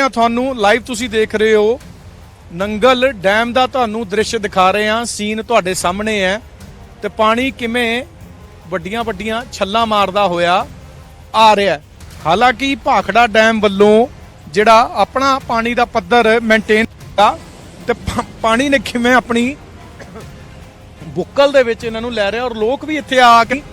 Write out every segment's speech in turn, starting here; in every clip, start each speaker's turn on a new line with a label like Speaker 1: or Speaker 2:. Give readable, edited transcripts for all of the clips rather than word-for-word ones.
Speaker 1: ਹਾਂ ਤੁਹਾਨੂੰ ਲਾਈਵ ਤੁਸੀਂ ਦੇਖ ਰਹੇ ਹੋ ਨੰਗਲ ਡੈਮ ਦਾ ਤੁਹਾਨੂੰ ਦ੍ਰਿਸ਼ ਦਿਖਾ ਰਹੇ ਹਾਂ। ਸੀਨ ਤੁਹਾਡੇ ਸਾਹਮਣੇ ਹੈ ਤੇ ਪਾਣੀ ਕਿਵੇਂ ਵੱਡੀਆਂ ਵੱਡੀਆਂ ਛੱਲਾਂ ਮਾਰਦਾ ਹੋਇਆ ਆ ਰਿਹਾ। ਹਾਲਾਂਕਿ ਭਾਖੜਾ ਡੈਮ ਵੱਲੋਂ ਜਿਹੜਾ ਆਪਣਾ ਪਾਣੀ ਦਾ ਪੱਧਰ ਮੇਨਟੇਨ ਕੀਤਾ ਤੇ ਪਾਣੀ ਨੇ ਕਿਵੇਂ ਆਪਣੀ ਬੁੱਕਲ ਦੇ ਵਿੱਚ ਇਹਨਾਂ ਨੂੰ ਲੈ ਰਿਹਾ ਔਰ ਲੋਕ ਵੀ ਇੱਥੇ ਆ ਕੇ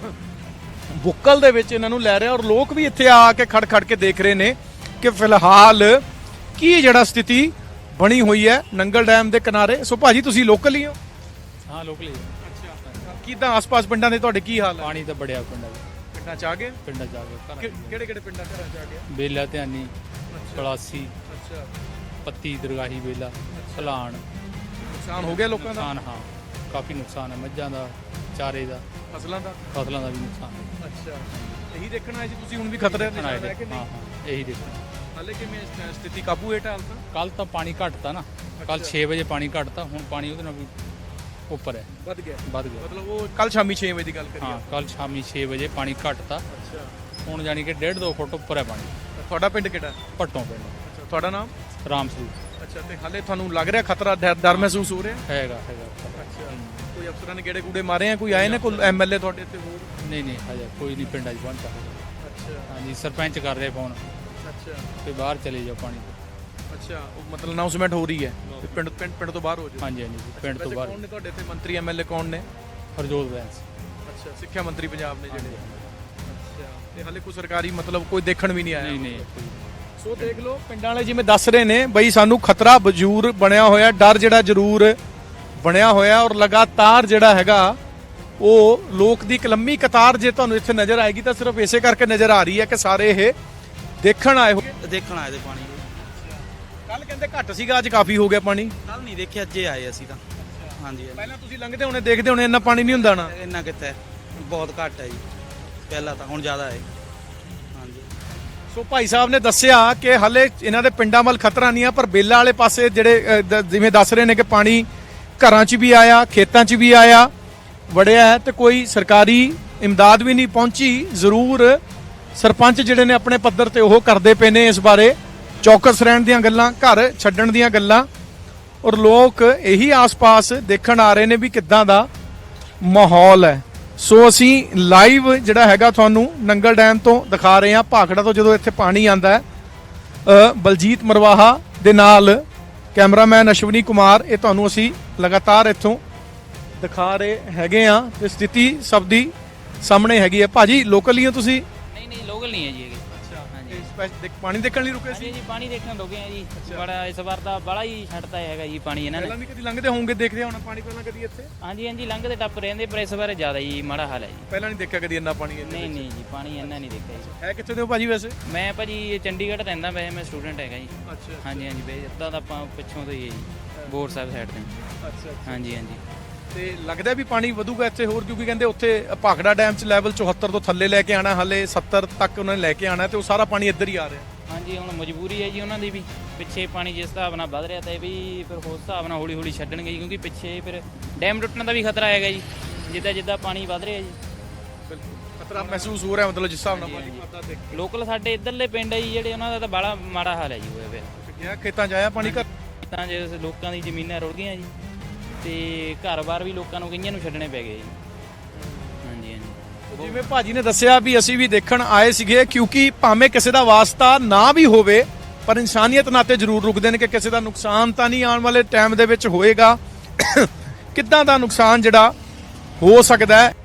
Speaker 1: ਬੁੱਕਲ ਦੇ ਵਿੱਚ ਇਹਨਾਂ ਨੂੰ ਲੈ ਰਿਹਾ ਔਰ ਲੋਕ ਵੀ ਇੱਥੇ ਆ ਕੇ ਖੜ ਖੜ ਕੇ ਦੇਖ ਰਹੇ ਨੇ ਕਿ ਫਿਲਹਾਲ ਕੀ ਜਿਹੜਾ ਸਥਿਤੀ ਬਣੀ ਹੋਈ ਹੈ ਨੰਗਲ ਡੈਮ ਦੇ ਕਿਨਾਰੇ। ਸੋ ਭਾਜੀ ਤੁਸੀਂ ਲੋਕਲ ਹੀ ਹੋ?
Speaker 2: ਹਾਂ ਲੋਕਲ ਹੀ।
Speaker 1: ਅੱਛਾ, ਕਿਦਾਂ ਆਸ-ਪਾਸ ਪਿੰਡਾਂ ਦੇ ਤੁਹਾਡੇ ਕੀ ਹਾਲ ਹੈ?
Speaker 2: ਪਾਣੀ ਤਾਂ ਬੜਿਆ ਪਿੰਡਾਂ ਚ
Speaker 1: ਆ ਗਏ?
Speaker 2: ਪਿੰਡਾਂ ਚ ਆ ਗਏ।
Speaker 1: ਕਿਹੜੇ ਕਿਹੜੇ ਪਿੰਡਾਂ ਘਰਾਂ ਚ ਆ ਗਏ?
Speaker 2: ਬੇਲਾ ਧਿਆਨੀ, ਪਲਾਸੀ,
Speaker 1: ਅੱਛਾ,
Speaker 2: ਪੱਤੀ, ਦਰਗਾਹੀ, ਬੇਲਾ, ਸਲਾਣ।
Speaker 1: ਨੁਕਸਾਨ ਹੋ ਗਿਆ ਲੋਕਾਂ ਦਾ?
Speaker 2: ਨੁਕਸਾਨ ਹਾਂ ਕਾਫੀ ਨੁਕਸਾਨ ਹੈ, ਮੱਝਾਂ ਦਾ, ਚਾਰੇ ਦਾ,
Speaker 1: ਫਸਲਾਂ ਦਾ
Speaker 2: ਵੀ ਨੁਕਸਾਨ ਹੈ।
Speaker 1: ਅੱਛਾ, ਇਹੀ ਦੇਖਣ ਆਏ ਸੀ ਤੁਸੀਂ ਹੁਣ ਵੀ ਖਤਰੇ ਦੇ ਨਾਲ ਹੈ ਕਿ ਨਹੀਂ?
Speaker 2: ਹਾਂ ਇਹੀ ਦੇਖਣਾ।
Speaker 1: ਹਾਲੇ ਕਿਵੇਂ ਸਥਿਤੀ ਕਾਬੂ ਹੇਠ ਹਾਲ ਤਾਂ?
Speaker 2: ਕੱਲ ਤਾਂ ਪਾਣੀ ਘਟਤਾ ਨਾ, ਕੱਲ 6 ਵਜੇ ਪਾਣੀ ਘਟਤਾ, ਹੁਣ ਪਾਣੀ ਉਹਦੇ ਨਾਲ ਵੀ ਉੱਪਰ ਹੈ,
Speaker 1: ਵੱਧ ਗਿਆ
Speaker 2: ਮਤਲਬ
Speaker 1: ਉਹ ਕੱਲ ਸ਼ਾਮੀ 6 ਵਜੇ ਦੀ ਗੱਲ ਕਰੀਏ?
Speaker 2: ਹਾਂ ਕੱਲ ਸ਼ਾਮੀ 6 ਵਜੇ ਪਾਣੀ ਘਟਤਾ।
Speaker 1: ਅੱਛਾ,
Speaker 2: ਹੁਣ ਜਾਨੀ ਕਿ 1.5-2 ਫੁੱਟ ਉੱਪਰ ਹੈ ਪਾਣੀ।
Speaker 1: ਤੁਹਾਡਾ ਪਿੰਡ ਕਿਹੜਾ?
Speaker 2: ਭੱਟੋਂ ਪਿੰਡ।
Speaker 1: ਅੱਛਾ, ਤੁਹਾਡਾ ਨਾਮ?
Speaker 2: ਰਾਮ ਸਰੂਪ।
Speaker 1: ਅੱਛਾ, ਤੇ ਹਾਲੇ ਤੁਹਾਨੂੰ ਲੱਗ ਰਿਹਾ ਖਤਰਾ, ਡਰ ਮਹਿਸੂਸ ਹੋ ਰਿਹਾ?
Speaker 2: ਹੈਗਾ।
Speaker 1: ਅੱਛਾ, ਕੋਈ ਅਫਸਰਾਂ ਨੇ ਗੇੜੇ ਗੂੜੇ ਮਾਰੇ ਆ? ਕੋਈ ਆਏ ਨੇ? ਕੋਈ ਐਮਐਲਏ ਤੁਹਾਡੇ ਇੱਥੇ ਹੋਰ?
Speaker 2: ਨਹੀਂ ਹਜੇ ਕੋਈ ਨਹੀਂ ਪਿੰਡਾਂ 'ਚ ਪਹੁੰਚਾ।
Speaker 1: ਅੱਛਾ,
Speaker 2: ਹਾਂਜੀ ਸਰਪੰਚ ਕਰ ਰਿਹਾ ਫੋਨ
Speaker 1: ਅੱਛਾ
Speaker 2: ਤੇ ਬਾਹਰ ਚਲੇ ਜਾਓ ਪਾਣੀ ਤੋਂ।
Speaker 1: ਅੱਛਾ, ਉਹ ਮਤਲਬ ਅਨਾਉਂਸਮੈਂਟ ਹੋ ਰਹੀ ਹੈ ਕਿ ਪਿੰਡ ਤੋਂ ਬਾਹਰ ਹੋ ਜਾਓ?
Speaker 2: ਹਾਂਜੀ ਪਿੰਡ ਤੋਂ ਬਾਹਰ।
Speaker 1: ਕੌਣ ਨੇ ਤੁਹਾਡੇ ਇੱਥੇ ਮੰਤਰੀ ਐਮਐਲਏ ਕੌਣ ਨੇ?
Speaker 2: ਹਰਜੋਤ ਬੈਂਸ।
Speaker 1: ਅੱਛਾ, ਸਿੱਖਿਆ ਮੰਤਰੀ ਪੰਜਾਬ ਨੇ ਜਿਹੜੇ? ਅੱਛਾ, ਤੇ ਹਾਲੇ ਕੋਈ ਸਰਕਾਰੀ ਮਤਲਬ ਕੋਈ ਦੇਖਣ ਵੀ ਨਹੀਂ ਆਇਆ?
Speaker 2: ਨਹੀਂ।
Speaker 1: ਸੋ ਦੇਖ ਲਓ ਪਿੰਡਾਂ ਵਾਲੇ ਜਿਵੇਂ ਦੱਸ ਰਹੇ ਨੇ ਬਈ ਸਾਨੂੰ ਖਤਰਾ ਜ਼ਰੂਰ ਬਣਿਆ ਹੋਇਆ, ਡਰ ਜਿਹੜਾ ਜ਼ਰੂਰ ਬਣਿਆ ਹੋਇਆ ਔਰ ਲਗਾਤਾਰ ਜਿਹੜਾ ਹੈਗਾ ਉਹ ਲੋਕ ਦੀ ਇੱਕ ਲੰਮੀ ਕਤਾਰ ਜੇ ਤੁਹਾਨੂੰ ਇੱਥੇ ਨਜ਼ਰ ਆਏਗੀ ਤਾਂ ਸਿਰਫ ਇਸੇ ਕਰਕੇ ਨਜ਼ਰ ਆ ਰਹੀ ਹੈ ਕਿ ਸਾਰੇ ਇਹ ਦੇਖਣ ਆਏ
Speaker 3: ਤੇ ਪਾਣੀ।
Speaker 1: ਕੱਲ ਕਹਿੰਦੇ ਘੱਟ ਸੀਗਾ, ਅੱਜ ਕਾਫੀ ਹੋ ਗਿਆ ਪਾਣੀ।
Speaker 3: ਕੱਲ ਨਹੀਂ ਦੇਖਿਆ, ਅੱਜ ਆਏ ਅਸੀਂ ਤਾਂ। ਹਾਂਜੀ
Speaker 1: ਪਹਿਲਾਂ ਤੁਸੀਂ ਲੰਘਦੇ ਹੋਣੇ ਦੇਖਦੇ ਹੋਣੇ ਇੰਨਾ ਪਾਣੀ ਨਹੀਂ ਹੁੰਦਾ ਨਾ?
Speaker 3: ਇੰਨਾ ਕਿੱਥੇ, ਬਹੁਤ ਘੱਟ ਹੈ ਜੀ ਪਹਿਲਾਂ ਤਾਂ, ਹੁਣ ਜ਼ਿਆਦਾ ਹੈ। ਹਾਂਜੀ,
Speaker 1: ਸੋ ਭਾਈ ਸਾਹਿਬ ਨੇ ਦੱਸਿਆ ਕਿ ਹਲੇ ਇਹਨਾਂ ਦੇ ਪਿੰਡਾਂ ਵੱਲ ਖਤਰਾ ਨਹੀਂ ਆ, ਪਰ ਬੇਲਾ ਵਾਲੇ ਪਾਸੇ ਜਿਹੜੇ ਜਿਵੇਂ ਦੱਸ ਰਹੇ ਨੇ ਕਿ ਪਾਣੀ ਘਰਾਂ 'ਚ ਵੀ ਆਇਆ, ਖੇਤਾਂ 'ਚ ਵੀ ਆਇਆ, ਵੜਿਆ ਹੈ ਤੇ ਕੋਈ ਸਰਕਾਰੀ ਇਮਦਾਦ ਵੀ ਨਹੀਂ ਪਹੁੰਚੀ। ਜ਼ਰੂਰ ਸਰਪੰਚ ਜਿਹੜੇ ਨੇ ਆਪਣੇ ਪੱਧਰ ਤੇ ਉਹ ਕਰਦੇ ਪਏ ਨੇ ਇਸ ਬਾਰੇ ਚੌਕਸ ਰਹਿਣ ਦੀਆਂ ਗੱਲਾਂ, ਘਰ ਛੱਡਣ ਦੀਆਂ ਗੱਲਾਂ, ਔਰ ਲੋਕ ਇਹੀ ਆਸ-ਪਾਸ ਦੇਖਣ ਆ ਰਹੇ ਨੇ ਵੀ ਕਿੱਦਾਂ ਦਾ ਮਾਹੌਲ ਹੈ। ਸੋ ਅਸੀਂ ਲਾਈਵ ਜਿਹੜਾ ਹੈਗਾ ਤੁਹਾਨੂੰ ਨੰਗਲ ਡੈਮ ਤੋਂ ਦਿਖਾ ਰਹੇ ਹਾਂ, ਭਾਖੜਾ ਤੋਂ ਜਦੋਂ ਇੱਥੇ ਪਾਣੀ ਆਂਦਾ ਹੈ। ਬਲਜੀਤ ਮਰਵਾਹਾ ਦੇ ਨਾਲ ਕੈਮਰਾਮੈਨ ਅਸ਼ਵਨੀ ਕੁਮਾਰ, ਇਹ ਤੁਹਾਨੂੰ ਅਸੀਂ ਲਗਾਤਾਰ ਇੱਥੋਂ ਦਿਖਾ ਰਹੇ ਹੈਗੇ ਆ ਤੇ ਸਥਿਤੀ ਸਭ ਦੀ ਸਾਹਮਣੇ ਹੈਗੀ ਹੈ। ਭਾਜੀ ਲੋਕਲ ਹੀ ਹੋ ਤੁਸੀਂ?
Speaker 4: ਨਹੀਂ ਲੋਕਲ ਨਹੀਂ ਹੈ ਜੀ।
Speaker 1: ਅੱਛਾ,
Speaker 4: ਹਾਂਜੀ,
Speaker 1: ਪਾਣੀ ਦੇਖਣ ਲਈ ਰੁਕੇ ਸੀ?
Speaker 4: ਜੀ ਪਾਣੀ ਦੇਖਣ ਰੁਕੇ ਆ ਜੀ। ਬੜਾ ਇਸ ਵਾਰ ਦਾ ਬੜਾ ਹੀ ਛੱਡਦਾ ਹੈਗਾ ਜੀ ਪਾਣੀ ਇਹਨਾਂ ਨੇ।
Speaker 1: ਪਹਿਲਾਂ ਵੀ ਕਦੀ ਲੰਘਦੇ ਹੋਵੋਗੇ, ਦੇਖਦੇ ਹੋਣਾ ਪਾਣੀ ਪਹਿਲਾਂ ਕਦੀ ਇੱਥੇ?
Speaker 4: ਹਾਂਜੀ ਲੰਘਦੇ ਟੱਪ ਰਹਿੰਦੇ, ਪਰ ਇਸ ਵਾਰ ਜ਼ਿਆਦਾ ਹੀ ਮਾੜਾ ਹਾਲ ਹੈ ਜੀ।
Speaker 1: ਪਹਿਲਾਂ ਨਹੀਂ ਦੇਖਿਆ ਕਦੀ ਇੰਨਾ ਪਾਣੀ?
Speaker 4: ਨਹੀਂ ਜੀ ਪਾਣੀ ਇੰਨਾ ਨਹੀਂ ਦੇਖਿਆ ਜੀ।
Speaker 1: ਹੈ ਕਿੱਥੇ ਦੇ ਹੋ ਭਾਜੀ ਵੈਸੇ?
Speaker 4: ਮੈਂ ਭਾਜੀ ਚੰਡੀਗੜ੍ਹ ਰਹਿੰਦਾ, ਵੈਸੇ ਮੈਂ ਸਟੂਡੈਂਟ ਹੈਗਾ ਜੀ।
Speaker 1: ਅੱਛਾ,
Speaker 4: ਹਾਂਜੀ ਬਈ ਇੱਦਾਂ ਤਾਂ ਆਪਾਂ ਪਿੱਛੋਂ ਤੋਂ ਹੀ ਹੈ ਜੀ, ਬੋਰ ਸਾਹਿਬ ਸਾਈਡ ਤੇ।
Speaker 1: ਅੱਛਾ,
Speaker 4: ਹਾਂਜੀ
Speaker 1: ਤੇ ਲੱਗਦਾ ਵੀ ਪਾਣੀ ਵਧੂਗਾ ਇੱਥੇ ਹੋਰ? ਕਿਉਂਕਿ ਕਹਿੰਦੇ ਉੱਥੇ ਭਾਖੜਾ ਡੈਮ 'ਚ ਲੈਵਲ 74 ਤੋਂ ਥੱਲੇ ਲੈ ਕੇ ਆਣਾ, ਹਲੇ 70 ਤੱਕ ਉਹਨਾਂ ਨੇ ਲੈ ਕੇ ਆਣਾ ਤੇ ਉਹ ਸਾਰਾ ਪਾਣੀ ਇੱਧਰ ਹੀ ਆ ਰਿਹਾ।
Speaker 4: ਹਾਂਜੀ, ਹੁਣ ਮਜਬੂਰੀ ਹੈ ਜੀ ਉਹਨਾਂ ਦੀ ਵੀ, ਪਿੱਛੇ ਪਾਣੀ ਜਿਸ ਹਿਸਾਬ ਨਾਲ ਵੱਧ ਰਿਹਾ ਤਾਂ ਇਹ ਵੀ ਫਿਰ ਉਸ ਹਿਸਾਬ ਨਾਲ ਹੌਲੀ ਛੱਡਣਗੇ ਜੀ, ਕਿਉਂਕਿ ਪਿੱਛੇ ਫਿਰ ਡੈਮ ਟੁੱਟਣ ਦਾ ਵੀ ਖਤਰਾ ਹੈਗਾ ਜੀ, ਜਿੱਦਾਂ ਪਾਣੀ ਵੱਧ ਰਿਹਾ ਜੀ।
Speaker 1: ਬਿਲਕੁਲ ਖਤਰਾ ਮਹਿਸੂਸ ਹੋ ਰਿਹਾ, ਮਤਲਬ ਜਿਸ ਹਿਸਾਬ ਨਾਲ ਪਾਣੀ ਵੱਧਦਾ ਦੇਖ ਕੇ।
Speaker 4: ਲੋਕਲ ਸਾਡੇ ਇੱਧਰਲੇ ਪਿੰਡ ਹੈ ਜੀ ਜਿਹੜੇ, ਉਹਨਾਂ ਦਾ ਤਾਂ ਬੜਾ ਮਾੜਾ ਹਾਲ ਹੈ ਜੀ ਹੋਇਆ ਪਿਆ।
Speaker 1: ਖੇਤਾਂ 'ਚ ਆਇਆ ਪਾਣੀ?
Speaker 4: ਤਾਂ ਜੇ ਲੋਕਾਂ ਦੀ ਜ਼ਮੀਨਾਂ ਰੁੜ ਗਈਆਂ ਜੀ ਤੇ ਘਰ-ਬਾਰ ਵੀ ਲੋਕਾਂ ਨੂੰ ਕਈਆਂ ਨੂੰ ਛੱਡਣੇ ਪੈ ਗਏ ਜੀ। ਹਾਂਜੀ
Speaker 1: ਜਿਵੇਂ ਭਾਜੀ ਨੇ ਦੱਸਿਆ ਵੀ ਅਸੀਂ ਵੀ ਦੇਖਣ ਆਏ ਸੀਗੇ, ਕਿਉਂਕਿ ਭਾਵੇਂ ਕਿਸੇ ਦਾ ਵਾਸਤਾ ਨਾ ਵੀ ਹੋਵੇ ਪਰ ਇਨਸਾਨੀਅਤ ਨਾਤੇ ਜ਼ਰੂਰ ਰੁਕਦੇ ਨੇ ਕਿ ਕਿਸੇ ਦਾ ਨੁਕਸਾਨ ਤਾਂ ਨਹੀਂ ਆਉਣ ਵਾਲੇ ਟਾਈਮ ਦੇ ਵਿੱਚ ਹੋਏਗਾ। ਕਿੱਦਾਂ ਦਾ ਨੁਕਸਾਨ ਜਿਹੜਾ ਹੋ ਸਕਦਾ ਹੈ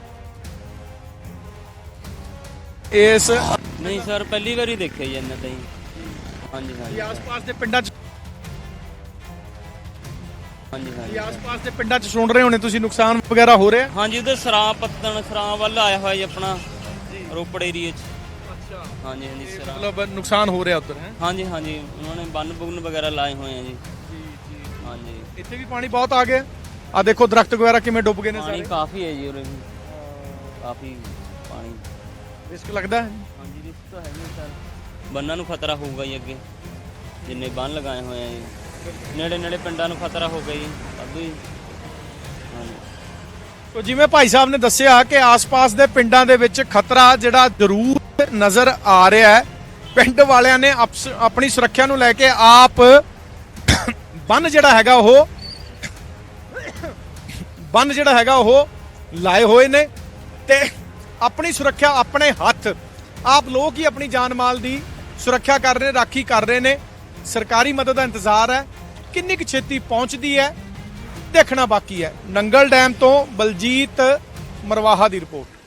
Speaker 1: ਇਸ?
Speaker 5: ਨਹੀਂ ਸਰ, ਪਹਿਲੀ ਵਾਰੀ ਦੇਖਿਆ ਜੀ ਇਹਨਾਂ ਤਾਂ ਹੀ। ਹਾਂਜੀ
Speaker 1: ਆਸ-ਪਾਸ ਦੇ ਪਿੰਡਾਂ 'ਚ
Speaker 5: ਹਾਂਜੀ
Speaker 1: ਆਸ-ਪਾਸ ਦੇ ਪਿੰਡਾਂ 'ਚ ਸੁਣ ਰਹੇ ਹੋਣੇ ਤੁਸੀਂ, ਨੁਕਸਾਨ ਵਗੈਰਾ ਹੋ ਰਿਹਾ?
Speaker 5: ਹਾਂਜੀ, ਉਧਰ ਸਰਾਂ ਵੱਲ ਆਇਆ ਹੋਇਆ ਜੀ ਆਪਣਾ ਰੋਪੜ ਏਰੀਏ 'ਚ।
Speaker 1: ਅੱਛਾ,
Speaker 5: ਹਾਂਜੀ ਸਰਾਂ,
Speaker 1: ਮਤਲਬ ਨੁਕਸਾਨ ਹੋ ਰਿਹਾ ਉੱਧਰ ਹੈ?
Speaker 5: ਹਾਂਜੀ ਉਹਨਾਂ ਨੇ ਬੰਨ ਵਗੈਰਾ ਲਾਏ ਹੋਏ ਆ ਜੀ। ਹਾਂਜੀ,
Speaker 1: ਇੱਥੇ ਵੀ ਪਾਣੀ ਬਹੁਤ ਆ ਗਿਆ। ਆ ਦੇਖੋ ਦਰਖਤ ਵਗੈਰਾ ਕਿਵੇਂ ਡੁੱਬ ਗਏ ਨੇ
Speaker 5: ਪਾਣੀ
Speaker 1: ਸਾਰੇ।
Speaker 5: ਕਾਫੀ ਹੈ ਜੀ ਉਰੇ ਵੀ, ਕਾਫੀ ਪਾਣੀ।
Speaker 1: ਰਿਸਕ ਲੱਗਦਾ ਹੈ?
Speaker 5: ਹਾਂਜੀ ਰਿਸਕ ਤਾਂ ਹੈ ਨਹੀਂ ਸਰ, ਬੰਨਾਂ ਨੂੰ ਖਤਰਾ ਹੋਊਗਾ ਜੀ ਅੱਗੇ, ਜਿੰਨੇ ਬੰਨ ਲਗਾਏ ਹੋਏ ਆ ਜੀ। ਨੇੜੇ ਪਿੰਡਾਂ ਨੂੰ ਖਤਰਾ ਹੋ ਗਿਆ ਜੀ ਅੱਧੂ ਹੀ। ਹਾਂਜੀ,
Speaker 1: ਤੋ ਜਿਵੇਂ ਭਾਈ ਸਾਹਿਬ ਨੇ ਦੱਸਿਆ ਕਿ ਆਸ-ਪਾਸ ਦੇ ਪਿੰਡਾਂ ਦੇ ਵਿੱਚ ਖਤਰਾ ਜਿਹੜਾ ਜ਼ਰੂਰ ਨਜ਼ਰ ਆ ਰਿਹਾ ਹੈ ਪਿੰਡ ਵਾਲਿਆਂ ਨੇ ਆਪਣੀ ਸੁਰੱਖਿਆ ਨੂੰ ਲੈ ਕੇ ਆਪ ਬੰਨ ਜਿਹੜਾ ਹੈਗਾ ਉਹ ਲਾਏ ਹੋਏ ਨੇ ਤੇ ਆਪਣੀ ਸੁਰੱਖਿਆ ਆਪਣੇ ਹੱਥ ਆਪ ਲੋਕ ਹੀ ਆਪਣੀ ਜਾਨ ਮਾਲ ਦੀ ਸੁਰੱਖਿਆ ਕਰ ਰਹੇ ਨੇ, ਰਾਖੀ ਕਰ ਰਹੇ ਨੇ। ਸਰਕਾਰੀ ਮਦਦ ਦਾ ਇੰਤਜ਼ਾਰ ਹੈ, ਕਿੰਨੀ ਕੁ ਛੇਤੀ ਪਹੁੰਚਦੀ ਹੈ ਦੇਖਣਾ ਬਾਕੀ ਹੈ। ਨੰਗਲ ਡੈਮ ਤੋਂ ਬਲਜੀਤ ਮਰਵਾਹਾ ਦੀ ਰਿਪੋਰਟ।